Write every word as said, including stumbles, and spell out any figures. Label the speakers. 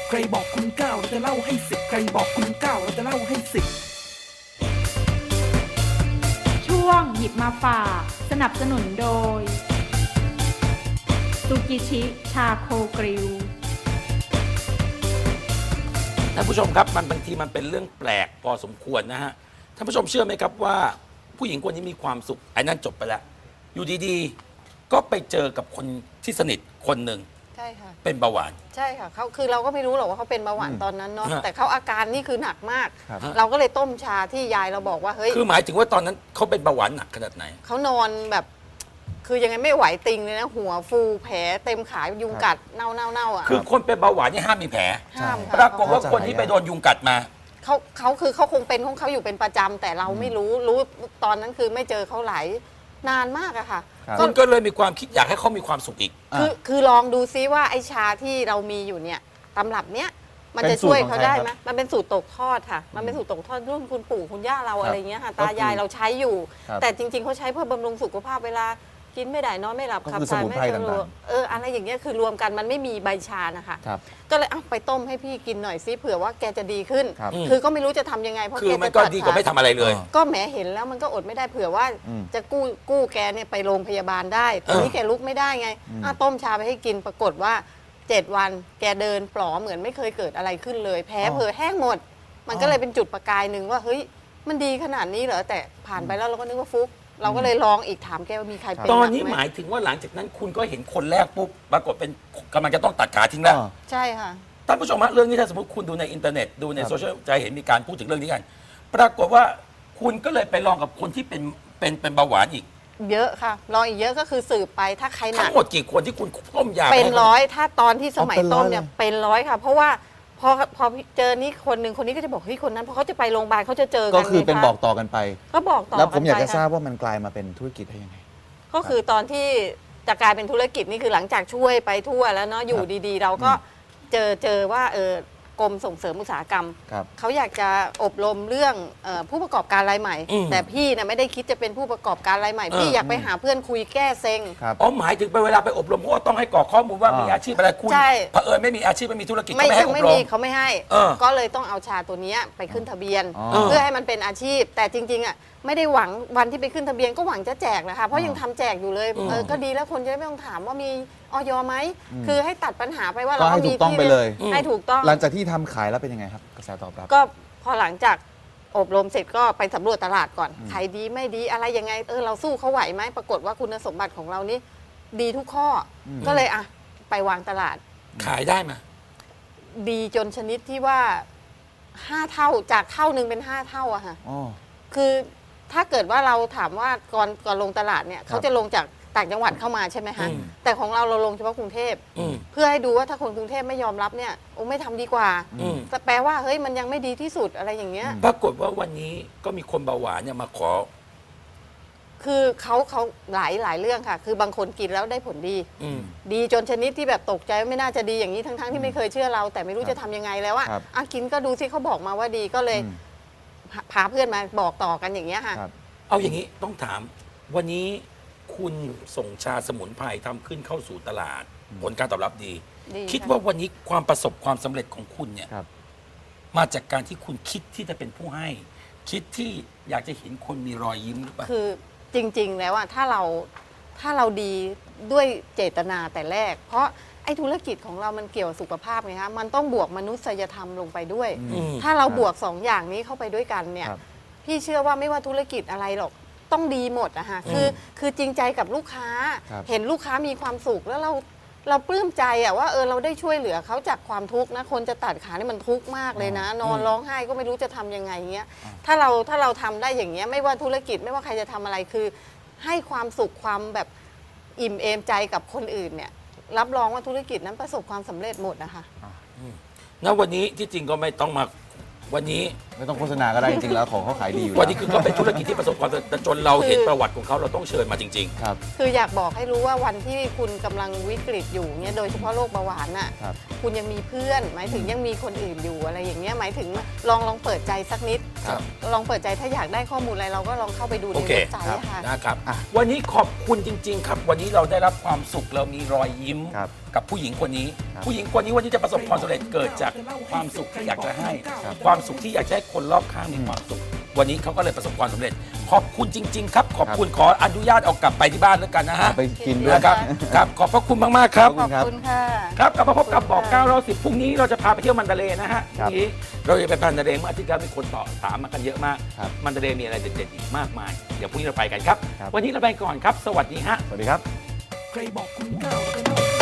Speaker 1: ใครบอกคุณเก้าเราจะเล่าให้สิบใครบอกคุณเก้าเราจะเล่าให้สิบ
Speaker 2: ช่วงหยิบมาฝากสนับสนุนโดยซูกิชิชาโคกริล
Speaker 3: ท่านผู้ชมครับมันบางทีมันเป็นเรื่องแปลกพอสมควรนะฮะท่านผู้ชมเชื่อไหมครับว่าผู้หญิงคนนี้มีความสุขไอ้นั่นจบไปแล้วอยู่ดีๆก็ไปเจอกับคนที่สนิทคนหนึ่ง
Speaker 4: ใช่ค่ะ
Speaker 3: เป็นเบาหวาน
Speaker 4: ใช่ค่ะเขาคือเราก็ไม่รู้หรอกว่าเขาเป็นเบาหวานตอนนั้นเนาะ
Speaker 3: ฮะ
Speaker 4: แต่เขาอาการนี่คือหนักมาก
Speaker 5: ครับ
Speaker 4: เราก็เลยต้มชาที่ยายเราบอกว่าเฮ้ย
Speaker 3: คือหมายถึงว่าตอนนั้นเขาเป็นเบาหวานหนักขนาดไหน
Speaker 4: เขานอนแบบ คือยังไงไม่ไหวติงเลยนะหัวฟูแผลเต็มขายุงกัดเน่าเน่าเน่าอ่ะ
Speaker 3: คือคนเป็นเบาหวานเนี่ยห้ามมีแผล
Speaker 4: ห้ามค่ะ
Speaker 3: ปรากฏว่าคนที่ไปโดนยุงกัดมา
Speaker 4: เขาเขาคือเขาคงเป็นของเขาอยู่เป็นประจำแต่เราไม่รู้รู้ตอนนั้นคือไม่เจอเขาหลายนานมากอะค่ะ
Speaker 5: ครับ
Speaker 3: คุณก็เลยมีความคิดอยากให้เขามีความสุขอีก
Speaker 4: คือคือลองดูซิว่าไอชาที่เรามีอยู่เนี่ยตำรับเนี้ยมัน
Speaker 5: เป็
Speaker 4: จะ
Speaker 5: นสูตร
Speaker 4: ช่วย
Speaker 5: ของ
Speaker 4: เขา
Speaker 5: ใคร
Speaker 4: ได้
Speaker 5: ครับ
Speaker 4: ไหมมันเป็นสูตรตกทอดค่ะ มันเป็นสูตรตกทอดรุ่นคุณปู่คุณย่าเรา
Speaker 5: ครับ
Speaker 4: อะไรเงี้ยค่ะ
Speaker 5: ก็คือ
Speaker 4: ตายายเราใช้อยู่
Speaker 5: ครับ
Speaker 4: แต่จริง ๆเขาใช้เพื่อบำรุงสุขภาพเวลากินไม่ได้นอนไม่หลับ
Speaker 5: ก็
Speaker 4: ขับ
Speaker 5: คือ
Speaker 4: ถ่าย
Speaker 5: สมุน
Speaker 4: ไม่
Speaker 5: ไพร
Speaker 4: สะดวก
Speaker 5: ต่าง
Speaker 4: เอออะไรอย่างเงี้ยคือรวมกันมันไม่มีใบชานะคะ
Speaker 5: ครับ
Speaker 4: ก็เลยเอาไปต้มให้พี่กินหน่อยซิเผื่อว่าแกจะดีขึ้น
Speaker 5: ครับ
Speaker 4: คือก็ไม่รู้จะทำยังไงเพราะ
Speaker 3: คือ
Speaker 4: แก
Speaker 3: มัน
Speaker 4: จะ
Speaker 3: ก็
Speaker 4: ตั
Speaker 3: ดีกว่าไม่ทำอะไรเลย
Speaker 5: อ๋อ
Speaker 4: ก็แหมเห็นแล้วมันก็อดไม่ได้เผื่อว่า
Speaker 5: อืม
Speaker 4: จะกู้กู้แกเนี่ยไปโรงพยาบาลได้ทีนี้แกลุกไม่ได้ไง
Speaker 5: อืม
Speaker 4: อ่ะต้มชาไปให้กินปรากฏว่าเจ็ดวันแกเดินปลอเหมือนไม่เคยเกิดอะไรขึ้นเลย แพ้เผลอแห้งหมด มันก็เลยเป็นจุดประกายหนึ่งว่าเฮ้ยมันดีขนาดนี้เหรอแต่ผ่านไปแล้วเราก็นึกว่าฟุก เราก็เลยลองอีกถามแกว่ามีใครเป็น
Speaker 3: ตอน
Speaker 4: ก
Speaker 3: นี้
Speaker 4: ไห
Speaker 3: มายถึงว่าหลังจากนั้นคุณก็เห็นคนแรกปุ๊บปรากฏเป็นกำลังจะต้องตัดขาทิ้งแล้ว
Speaker 5: อ๋อ
Speaker 4: ใช่ค่ะ
Speaker 3: ท่านผู้ชมฮะเรื่องนี้ถ้าสมมติคุณดูในอินเทอร์เน็ตดูใน
Speaker 5: ครับ
Speaker 3: โซเชียลจะเห็นมีการพูดถึงเรื่องนี้กัน ปรากฏว่าคุณก็เลยไปลองกับคนที่เป็นเป็นเป็นเบาหวานอีก
Speaker 4: เยอะค่ะลองอีกเยอะก็คือสืบไปถ้าใครห
Speaker 3: ทั้
Speaker 4: นั
Speaker 3: ง
Speaker 4: ก
Speaker 3: หมดกี่คนที่คุณต้มยา
Speaker 4: เป็น
Speaker 3: ให้ขา
Speaker 4: ร้อยถ้าตอนที่สมัย
Speaker 5: เอาเป็นร้
Speaker 4: ต้
Speaker 5: อย
Speaker 4: มเนี่ย
Speaker 5: เลย
Speaker 4: เป็นร้อยค่ะ เพราะว่าพอพอเจอนี่คนหนึ่งคนนี้ก็จะบอกเฮ้ยคนนั้นเพราะเขาจะไปโรงพยาบาลเขาจะเจอกัน
Speaker 5: ก็คือเป็น
Speaker 4: ไงะ
Speaker 5: บอกต่อกันไป
Speaker 4: ก็บอกต่อ
Speaker 5: แล้วผมอยาก
Speaker 4: น
Speaker 5: จะ
Speaker 4: ไป
Speaker 5: ทราบ
Speaker 4: ค่
Speaker 5: ว่ามันกลายมาเป็นธุรกิจได้ยังไง
Speaker 4: ก็คือตอนที่จะกลายเป็นธุรกิจนี่คือหลังจากช่วยไปทั่วแล้วเนาะอยู่ดีๆ เราก็เจอเจอว่าเออกรมส่งเสริมอุตสาหกรรม
Speaker 5: ครับ
Speaker 4: เขาอยากจะอบรมเรื่องเออผู้ประกอบการรายใหม่
Speaker 3: อืม
Speaker 4: แต่พี่นะไม่ได้คิดจะเป็นผู้ประกอบการรายใหม่
Speaker 3: เออ
Speaker 4: พี่อยากไปหาเพื่อนคุยแก้เซ็ง
Speaker 5: ครับ
Speaker 3: อ๋อหมายถึงไปเวลาไปอบรมเพราะว่าต้องให้กรอกข้อมูลว่า
Speaker 5: อ่ามี
Speaker 3: มีอาชีพอะไรคุณ
Speaker 4: ใช่
Speaker 3: เผอิญไม่มีอาชีพไม่มีธุรกิจ
Speaker 4: ไม่
Speaker 3: ก็ไม่ให้
Speaker 4: ยัง
Speaker 3: อบ
Speaker 4: ไม่
Speaker 3: ร
Speaker 4: มี
Speaker 3: ม
Speaker 4: เขาไม่ให้
Speaker 3: เออ
Speaker 4: ก็เลยต้องเอาชาตัวเนี้ยไปขึ้นทะเบียน
Speaker 5: อ๋อ
Speaker 4: เพื่อให้มันเป็นอาชีพ แต่จริงๆอ่ะไม่ได้หวังวันที่ไปขึ้นทะเบียนก็หวังจะแจกนะคะเพราะยังทำแจกอยู่เลย
Speaker 3: อืม
Speaker 4: เออก็ดีแล้วคนจะได้ไม่ต้องถามว่ามีออยไหม
Speaker 5: อืม
Speaker 4: คือให้ตัดปัญหาไปว่า
Speaker 5: ก็
Speaker 4: เรา
Speaker 5: ให้
Speaker 4: ก็มี
Speaker 5: ถูกต้อง
Speaker 4: ที่
Speaker 5: ไปเลย
Speaker 4: ให้ถูกต้อง
Speaker 5: หลังจากที่ทำขายแล้วเป็นยังไงครับกระแสตอบรับ
Speaker 4: ก็พอหลังจากอบรมเสร็จก็ไปสำรวจตลาดก่อน
Speaker 5: อืม
Speaker 4: ขายดีไม่ดีอะไรยังไงเออเราสู้เขาไหวไหมปรากฏว่าคุณสมบัติของเรานี่ดีทุกข้ออ
Speaker 5: ม
Speaker 4: ก็เลยอ่ะไปวางตลาด
Speaker 3: ขายได้ไหม
Speaker 4: ดีจนชนิดที่ว่าห้าเท่าจากเท่าหนึ่งเป็นห้าเท่าอะค่ะ
Speaker 5: อ๋อ
Speaker 4: คือถ้าเกิดว่าเราถามว่าก่อนก่อนลงตลาดเนี่ย
Speaker 5: ครับ
Speaker 4: เขาจะลงจากต่างจังหวัดเข้ามาใช่ไหมคะ
Speaker 3: อืม
Speaker 4: แต่ของเราเราลงเฉพาะกรุงเทพ
Speaker 3: อืม
Speaker 4: เพื่อให้ดูว่าถ้าคนกรุงเทพไม่ยอมรับเนี่ยโอ้ไม่ทำดีกว่า
Speaker 3: อืม
Speaker 4: แต่แปลว่าเฮ้ยมันยังไม่ดีที่สุดอะไรอย่างเงี้ย
Speaker 3: ปรากฏว่าวันนี้ก็มีคนเบาหวานเนี่ยมาขอ
Speaker 4: คือเขาเขาหลายหลายเรื่องค่ะ คือบางคนกินแล้วได้ผลดี
Speaker 3: อืม
Speaker 4: ดีจนชนิดที่แบบตกใจว่าไม่น่าจะดีอย่างนี้ทั้งๆที่ไม่เคยเชื่อเรา แต่ไม่รู้
Speaker 5: ครับ
Speaker 4: จะทำยังไงแล้วอะ
Speaker 5: ครับ
Speaker 4: อ่ะกินก็ดูซิเขาบอกมาว่าดีก็เลย
Speaker 5: อืม
Speaker 4: พาพาเพื่อนมาบอกต่อกันอย่างเงี้ยค่ะ
Speaker 5: ครับ
Speaker 3: เอาอย่างนี้ต้องถาม วันนี้คุณส่งชาสมุนไพรทำขึ้นเข้าสู่ตลาด ผลการตอบรับดี
Speaker 4: ดี
Speaker 3: คิด
Speaker 4: ค่ะ
Speaker 3: ว่าวันนี้ความประสบความสำเร็จของคุณเนี่ย
Speaker 5: ครับ
Speaker 3: มาจากการที่คุณคิดที่จะเป็นผู้ให้ คิดที่อยากจะเห็นคนมีรอยยิ้มหรือเปล่า
Speaker 4: คือจริง ๆ แล้วอะถ้าเราถ้าเราดีด้วยเจตนาแต่แรก เพราะไอ้ธุรกิจของเรามันเกี่ยวกับสุขภาพไงคะมันต้องบวกมนุษยธรรมลงไปด้วย
Speaker 3: อืม
Speaker 4: ถ้าเรา
Speaker 5: ครับ
Speaker 4: บวกสองอย่างนี้เข้าไปด้วยกันเนี่ย
Speaker 5: ครับ
Speaker 4: พี่เชื่อว่าไม่ว่าธุรกิจอะไรหรอกต้องดีหมดอะฮะคือคือจริงใจกับลูกค้า
Speaker 5: ครับ
Speaker 4: เห็นลูกค้ามีความสุขแล้วเราเราปลื้มใจอะว่าเออเราได้ช่วยเหลือเขาจากความทุกข์นะคนจะตัดขานี่มันทุกข์มากเลยนะ นอนร้องไห้ก็ไม่รู้จะทำยังไงเงี้ยถ้าเราถ้าเราทำได้อย่างเงี้ยไม่ว่าธุรกิจไม่ว่าใครจะทำอะไรคือ ให้ความสุขความแบบอิ่มเอมใจกับคนอื่นเนี่ยรับรองว่าธุรกิจนั้นประสบความสำเร็จหมดนะคะ
Speaker 3: ณวันนี้ที่จริงก็ไม่ต้องมาวันนี้
Speaker 5: ไม่ต้องโฆษณาก็ได้จริงๆแล้วของเขาขายดีอยู่
Speaker 3: วัน
Speaker 5: แล้ว
Speaker 3: นี้คือก็เป็นธุรกิจที่ประสบความสำเร็จแต่จนเราเห็นประวัติของเขาเราต้องเชิญมาจริง
Speaker 5: ครับ
Speaker 4: คืออยากบอกให้รู้ว่าวันที่คุณกำลังวิกฤตอยู่เนี่ยโดยเฉพาะโรคเบาหวานน่ะ
Speaker 5: ครับ
Speaker 4: คุณยังมีเพื่อน หมายถึงยังมีคนอื่นอยู่อะไรอย่างเงี้ยหมายถึงลองลองเปิดใจสักนิด
Speaker 3: ครับ
Speaker 4: ลองเปิดใจถ้าอยากได้ข้อมูลอะไรเราก็ลองเข้าไปดู
Speaker 3: โอ
Speaker 4: ใน
Speaker 3: เค
Speaker 4: เว็บไซต์อะค่ะ
Speaker 3: ๆนะครับ
Speaker 5: อ่ะ
Speaker 3: วันนี้ขอบคุณจริง ๆ ครับ วันนี้เราได้รับความสุขเรามีรอยยิ้ม
Speaker 5: ครับ
Speaker 3: กับผู้หญิงคนนี้
Speaker 5: ครับ
Speaker 3: ผู้หญิงคนนี้วันนี้จะประสบความสำเร็จเกิดจากความสุขที่อยากจะให้
Speaker 5: ครับ
Speaker 3: ความสุขที่อยากจะให้คนรอบข้างมีความสุข วันนี้เขาก็เลยประสบความสำเร็จ ขอบคุณจริง ๆ ครับ ขอบคุณขออนุญาตเอากลับไปที่บ้านแล้วกันนะฮะ
Speaker 5: ไปกินด้วย
Speaker 3: นะครับครับขอบพระคุณมากๆครับ
Speaker 5: ขอบ
Speaker 4: ขอบคุณค่ะ
Speaker 3: ครับกลับมาพบกับบอกเก้าเราสิบพรุ่งนี้เราจะพาไปเที่ยวมันดาเลย์นะฮะพ
Speaker 5: ครับ
Speaker 3: รุ่งนี้เราจะไปมันดาเลย์เมื่ออาทิตย์ที่แล้วมีคนต่อถามมากันเยอะมาก
Speaker 5: ครับ
Speaker 3: มันดาเลย์มีอะไรเด็ดๆอีกมากมาย เดี๋ยวพรุ่งนี้เราไปกันครับ
Speaker 5: ครับ
Speaker 3: วันนี้เราไปก่อนครับ สวัสดีฮะ
Speaker 5: สวัสดีครับ
Speaker 1: ใครบอกคุณก้าวเราจะเล่า